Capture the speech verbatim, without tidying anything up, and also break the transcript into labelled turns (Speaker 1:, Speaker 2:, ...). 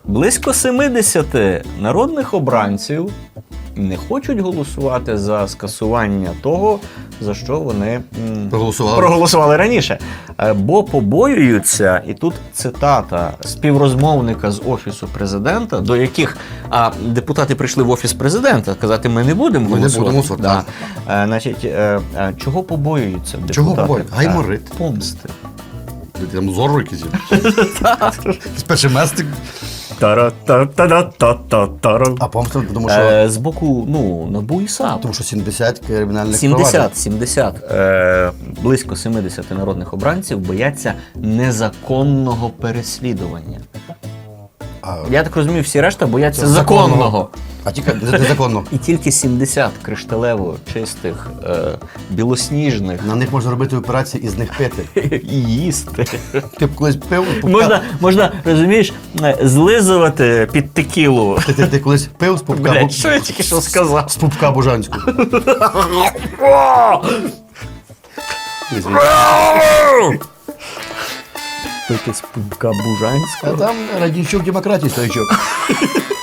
Speaker 1: Близько семидесяти народних обранців не хочуть голосувати за скасування того, за що вони м,
Speaker 2: Проголосували.
Speaker 1: проголосували раніше. Е, Бо побоюються, і тут цитата співрозмовника з Офісу президента, до яких а, депутати прийшли в Офіс президента, казати, ми не будемо
Speaker 2: Ми не
Speaker 1: голосувати.
Speaker 2: будемо голосувати,
Speaker 1: Да. Е, Значить, е, е, чого побоюються депутати?
Speaker 2: Чого побоюються? Гайморит.
Speaker 1: Е, Помсти.
Speaker 2: Там зору якісь є. Спершу местик.
Speaker 1: Тара-та-та-та-та-та-та.
Speaker 2: А помста, тому що,
Speaker 1: Е, З боку, ну, НАБУ і САП.
Speaker 2: тому що сімдесят кримінальних проваджень.
Speaker 1: сімдесят, сімдесят. Е, близько семидесят народних обранців бояться незаконного переслідування.
Speaker 2: А,
Speaker 1: Я так розумію, всі решта бояться
Speaker 2: Це
Speaker 1: законного.
Speaker 2: законного. а тільки незаконно.
Speaker 1: І тільки сімдесят кришталево чистих, е, білосніжних
Speaker 2: На них можна робити операції і з них пити.
Speaker 1: і їсти.
Speaker 2: Ти б колись пив, з пупка-
Speaker 1: Можна, можна, розумієш, е, злизувати під текілу.
Speaker 2: ти, ти, ти колись пив з пупка,
Speaker 1: Блядь,
Speaker 2: бу-
Speaker 1: що я тільки що сказав?
Speaker 2: з пупка Бужанського.
Speaker 1: Пити з пупка Бужанського.
Speaker 2: А там Радійчук демократії стоячок.